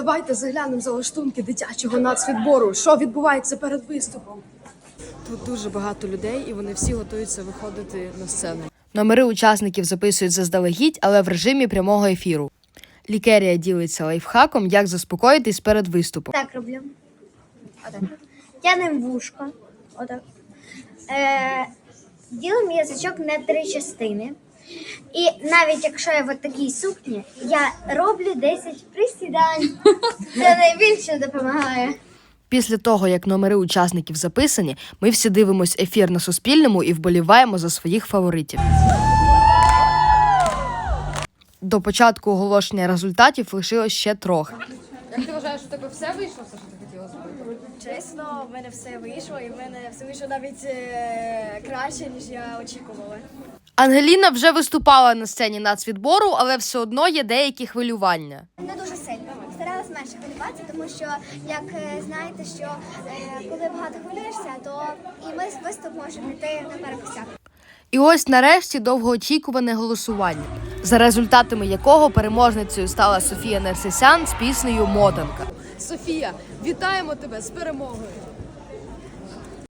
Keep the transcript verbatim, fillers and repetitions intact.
Давайте заглянемо за лаштунки дитячого нацвідбору. Що відбувається перед виступом? Тут дуже багато людей, і вони всі готуються виходити на сцену. Номери учасників записують заздалегідь, але в режимі прямого ефіру. Лікерія ділиться лайфхаком, як заспокоїтись перед виступом. Так роблю. Отак. Тянем вушко. Отак. Е, ділимо язичок на три частини. І навіть якщо я в такій сукні, я роблю десять присідань. Це найбільше допомагає. Після того, як номери учасників записані, ми всі дивимось ефір на Суспільному і вболіваємо за своїх фаворитів. До початку оголошення результатів лишилось ще трохи. Як ти вважаєш, у тебе все вийшло, все, що ти хотіла зробити? Чесно, в мене все вийшло, і в мене все вийшло навіть е, краще, ніж я очікувала. Ангеліна вже виступала на сцені нацвідбору, але все одно є деякі хвилювання. Не дуже сильно. Старалась менше хвилюватися, тому що, як е, знаєте, що е, коли багато хвилюєшся, то і ми виступ можемо йти на перекосяк. І ось нарешті довгоочікуване голосування, за результатами якого переможницею стала Софія Нерсесян з піснею «Мотанка». Софія, вітаємо тебе з перемогою!